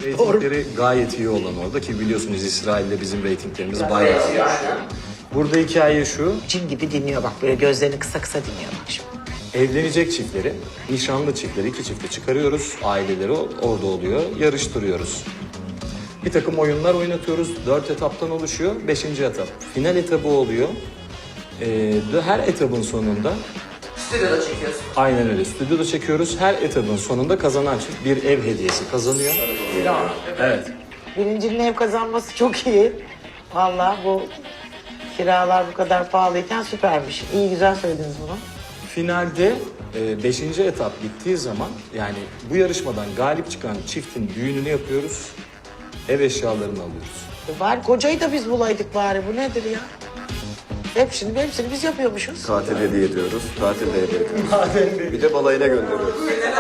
Reytingleri gayet iyi olan orada ki biliyorsunuz İsrail'de bizim reytinglerimiz bayağı iyi. Burada hikaye şu, Cin gibi dinliyor bak, böyle gözlerini kısa kısa dinliyor bak şimdi. evlenecek çiftleri, nişanlı çiftleri, iki çifti çıkarıyoruz. Aileleri orada oluyor, yarıştırıyoruz. Bir takım oyunlar oynatıyoruz. 4 etaptan oluşuyor. 5. etap. Final etabı oluyor. Her etabın sonunda... Stüdyoda çekiyorsun. Aynen öyle. Stüdyoda çekiyoruz. Her etabın sonunda kazanan çift bir ev hediyesi kazanıyor. Evet. Birincinin ev kazanması çok iyi. Vallahi bu kiralar bu kadar pahalıyken süpermiş. İyi, güzel söylediniz bunu. Finalde 5. etap bittiği zaman yani bu yarışmadan galip çıkan çiftin düğününü yapıyoruz. Ev eşyalarını alıyoruz. Bari kocayı da biz bulaydık bari. Bu nedir ya? Hepsini biz yapıyormuşuz. Tatil hediye ediyoruz. Tatil de hediye ediyoruz. Bir de balayına gönderiyoruz.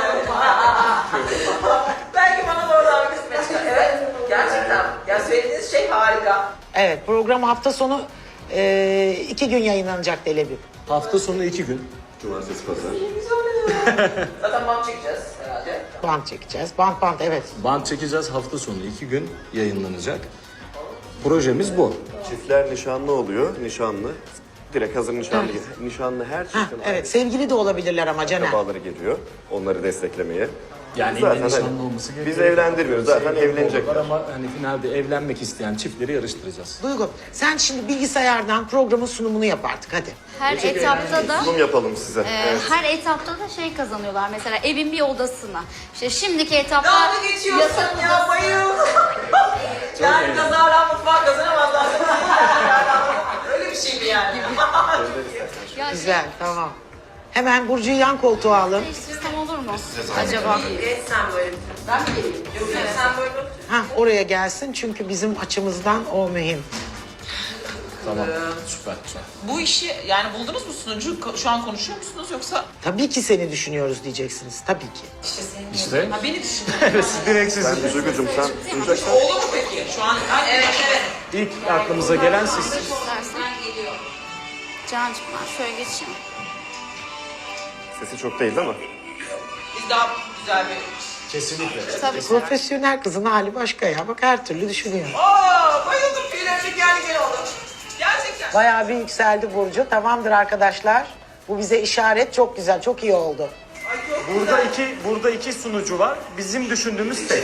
Belki bana da oradan bir kısmet çıkar. Evet, gerçekten. Ya söylediğiniz şey harika. Evet, program hafta sonu 2 gün yayınlanacak Telebi. Hafta sonu 2 gün. Cumartesi, pazar. Zaten bant çekeceğiz herhalde. Bant çekeceğiz. Bant evet. Band çekeceğiz. Hafta sonu 2 gün yayınlanacak. Projemiz bu. Çiftler nişanlı oluyor. Nişanlı. Direkt hazır nişanlı. Nişanlı her Heh, çiftin evet, sevgili de olabilirler ama Caner. akrabaları geliyor. Onları desteklemeye. Yani Zaten illa nişanlı olması biz gerekiyor. evlendirmiyoruz. Zaten evlenecekler. Ama hani finalde evlenmek isteyen çiftleri yarıştıracağız. Duygu, sen şimdi bilgisayardan programın sunumunu yap artık hadi. Her etapta da Sunum yapalım size. Evet. her etapta da şey kazanıyorlar. Mesela evin bir odasına. İşte şimdiki etapta Dalga geçiyorsun ya, bayıldım. Yani kazara mutfağı kazanamazlar. Öyle bir şey mi yani? ya Güzel, tamam. Hemen Burcu'yu yan koltuğa alın. değiştirsem olur mu acaba? Evet, sen böyle. Ben mi geleyim? Yok, sen böyle otur. Ha, oraya gelsin çünkü bizim açımızdan o mühim. Tamam. Süper. Bu işi yani buldunuz mu sunucu? Şu an konuşuyor musunuz yoksa? Tabii ki seni düşünüyoruz diyeceksiniz, tabii ki. İşte. Ha beni düşünün. Direkt siz. Ben Duygucuğum sen sunacaksan. Olur mu peki? Şu an Evet, evet. İlk aklımıza gelen siz. İstersen. Cancığım ben şöyle geçeyim. Sesi çok değil ama. biz daha güzel bir... Kesinlikle. Tabii. Profesyonel kızın hali başka ya. Bak her türlü düşünüyor. Bayıldım, tüylerim geldi gel oldu. Gerçekten. Bayağı bir yükseldi Burcu. Tamamdır arkadaşlar. Bu bize işaret. Çok güzel, çok iyi oldu. Burada iki sunucu var. Bizim düşündüğümüz tek.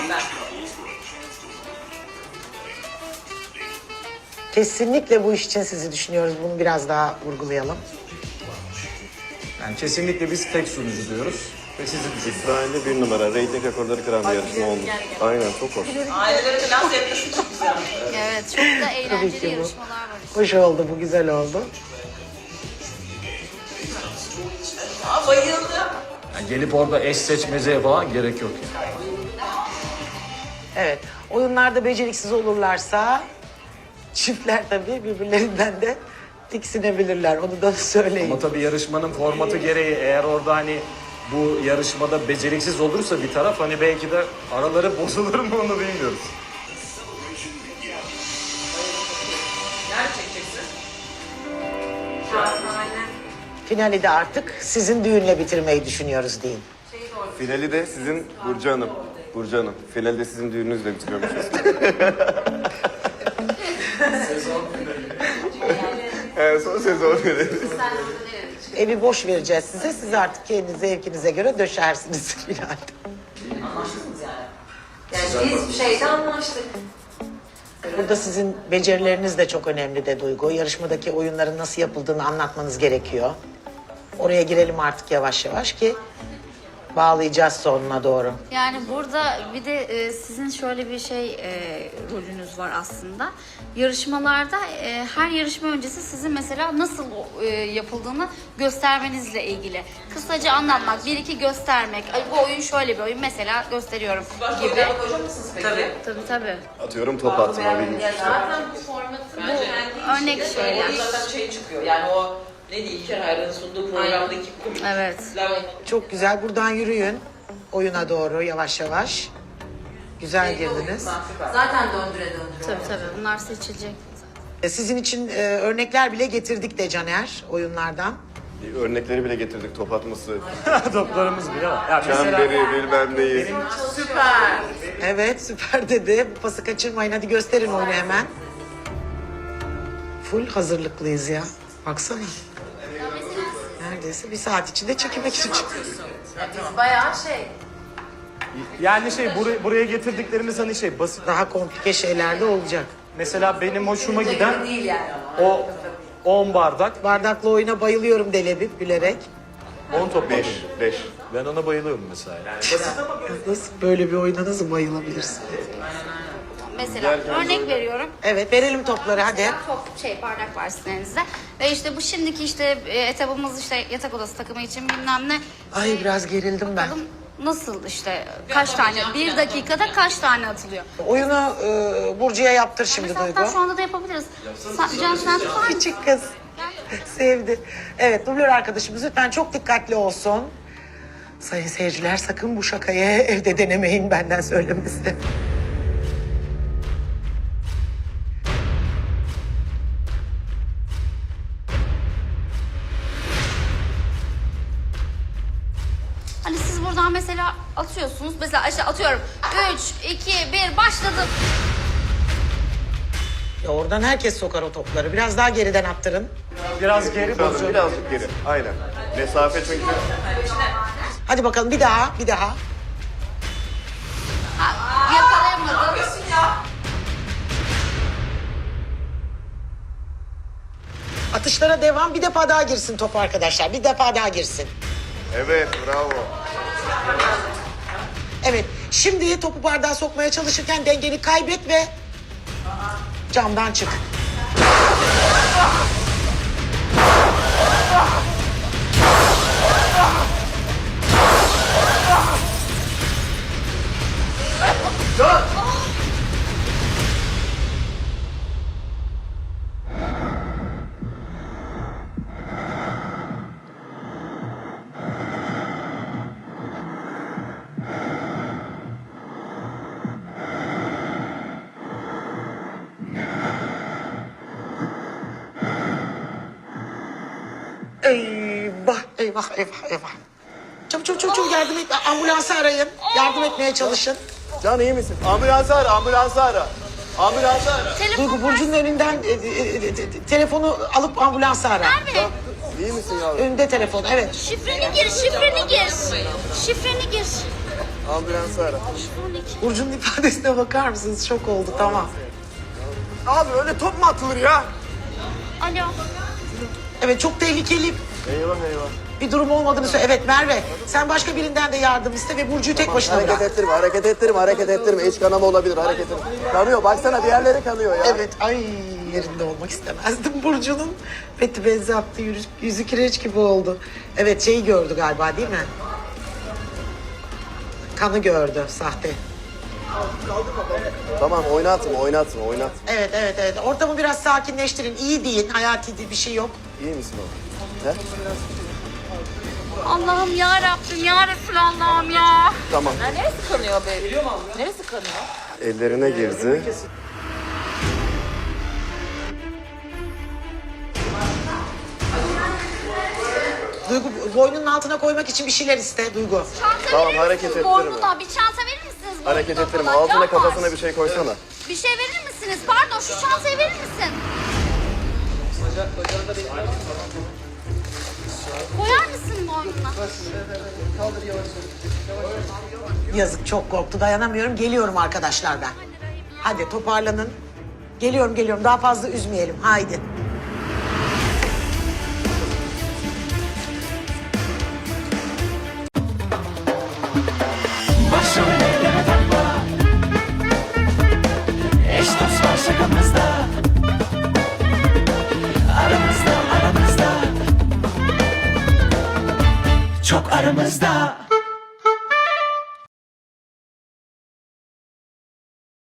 Kesinlikle bu iş için sizi düşünüyoruz. Bunu biraz daha vurgulayalım. Yani kesinlikle biz tek sunucu diyoruz. Ve sizi düşünüyoruz. İsrail'de bir numara. Reyting rekorları kıran bir yarışma olmuş. Aynen çok hoş. Ailelere falan sevgisi çok güzel. Evet, çok da Tabii ki eğlenceli bu. yarışmalar var. Hoş oldu, bu güzel oldu. Bayıldım. Yani gelip orada eş seçmeceye falan gerek yok. Yani. Evet, oyunlarda beceriksiz olurlarsa çiftler tabii birbirlerinden de tiksinebilirler. Onu da söyleyin. Ama tabii yarışmanın formatı gereği eğer orada hani bu yarışmada beceriksiz olursa bir taraf hani belki de araları bozulur mu onu bilmiyoruz. Nerede çekeceksin? Finali de artık sizin düğünle bitirmeyi düşünüyoruz deyin. Finali de sizin Burcu Hanım. Burcu Hanım. Finali de sizin düğününüzle bitiriyormuşuz. Evet, son sezon finali. Evi boş vereceğiz size. Siz artık kendi zevkinize göre döşersiniz finalde. Anlaştınız yani. Yani biz şeyde anlaştık. Burada sizin becerileriniz de çok önemli de Duygu. Yarışmadaki oyunların nasıl yapıldığını anlatmanız gerekiyor. Oraya girelim artık yavaş yavaş ki bağlayacağız sonuna doğru. Yani burada bir de sizin şöyle bir rolünüz var aslında. Yarışmalarda her yarışma öncesi sizin mesela nasıl yapıldığını göstermenizle ilgili. Kısaca anlatmak, bir iki göstermek. Ay, bu oyun şöyle bir oyun mesela gösteriyorum Başka gibi. oyunlara koyacak mısınız peki? Tabii. Tabii. Atıyorum top atma bilmiş. Zaten bu formatı Örnek şeyler. Zaten şey çıkıyor yani o ne diyeyim İlker Hayran'ın sunduğu programdaki komikler. Evet. Çok güzel. Buradan yürüyün oyuna doğru yavaş yavaş. Güzel girdiniz. zaten döndüre döndüre. Tabii bunlar seçilecek. Sizin için örnekler bile getirdik de Caner oyunlardan. Örnekleri bile getirdik top atması. Toplarımız bile var. Ya mesela Çemberi bilmem neyi. Süper. Evet süper dedi. Bu pası kaçırmayın. Hadi gösterin oyunu hemen. Full hazırlıklıyız ya. Baksana. Neredeyse bir saat içinde çekilmek için çıkıyoruz. Biz bayağı şey. Yani buraya getirdiklerimiz hani basit. Daha komplike şeyler de olacak. Mesela benim hoşuma giden Değil yani. o 10 bardak, Bardaklı oyuna bayılıyorum Delebip gülerek. 10 top 5. Ben ona bayılıyorum mesela. Nasıl böyle bir oyuna nasıl bayılabilirsin? Mesela örnek veriyorum. Evet verelim topları hadi. Top bardak var sizin elinizde. Ve işte bu şimdiki etabımız yatak odası takımı için bilmem ne. Ay biraz gerildim ben. Bakalım nasıl kaç tane, bir dakikada kaç tane atılıyor? Oyunu Burcu'ya yaptır şimdi Mesela Duygu. hatta şu anda da yapabiliriz. Can sen tutar mısın? Küçük kız. Sevdi. Evet dublör arkadaşımız lütfen çok dikkatli olsun. Sayın seyirciler sakın bu şakayı evde denemeyin benden söylemesi. Hani siz buradan mesela atıyorsunuz. Mesela atıyorum. 3, 2, 1 başladım. Ya oradan herkes sokar o topları. Biraz daha geriden attırın. Biraz geri Tabii, birazcık geri. Aynen. Mesafe çünkü. Hadi bakalım bir daha. Yakalayamadım. Atışlara devam. Bir defa daha girsin top arkadaşlar. Bir defa daha girsin. Evet, bravo. Evet. Şimdi topu bardağa sokmaya çalışırken dengeni kaybet ve camdan çık. Eyvah. Çabuk yardım et. Ambulansı arayın. Yardım etmeye çalışın. Can iyi misin? Ambulansı ara. Duygu Burcu'nun önünden telefonu alıp ambulansı ara. İyi misin yavrum? Önünde telefon evet. Şifreni gir. Ambulansı ara. Burcu'nun ifadesine bakar mısınız? Şok oldu tamam. Abi öyle top mu atılır ya? Alo. Evet çok tehlikeli Eyvah. bir durum olmadığını söyle. Evet Merve sen başka birinden de yardım iste ve Burcu'yu tek başına bırak. Hareket ettirme. İç kanama olabilir, hareket ettirme. Kanıyor, baksana bir yerleri kanıyor ya. Evet ay yerinde olmak istemezdim Burcu'nun. Beti benzi attı yüzü kireç gibi oldu. Evet şeyi gördü galiba değil mi? Kanı gördü sahte. Tamam, oynatma. Evet. Ortamı biraz sakinleştirin. İyi deyin. Hayati bir şey yok. İyi misin oğlum? He? Allah'ım ya Rabbim ya Resulallah'ım ya. Tamam. Neresi kanıyor be? Neresi kanıyor? Ellerine girdi. Duygu boynunun altına koymak için bir şeyler iste Duygu. Çanta Tamam, verir hareket misiniz ettirme. boynuna? Bir çanta verir misiniz boynuna? Hareket ettirme. falan? Altına Can var. kafasına bir şey koysana. Bir şey verir misiniz? Pardon şu çantayı verir misin? Koyar mısın boynuna? Yazık çok korktu dayanamıyorum. Geliyorum arkadaşlar ben. Hadi toparlanın. Geliyorum. Daha fazla üzmeyelim. Haydi. Başrol eyleme takla. Eş dost var şakamızda. Aramızda Çok aramızda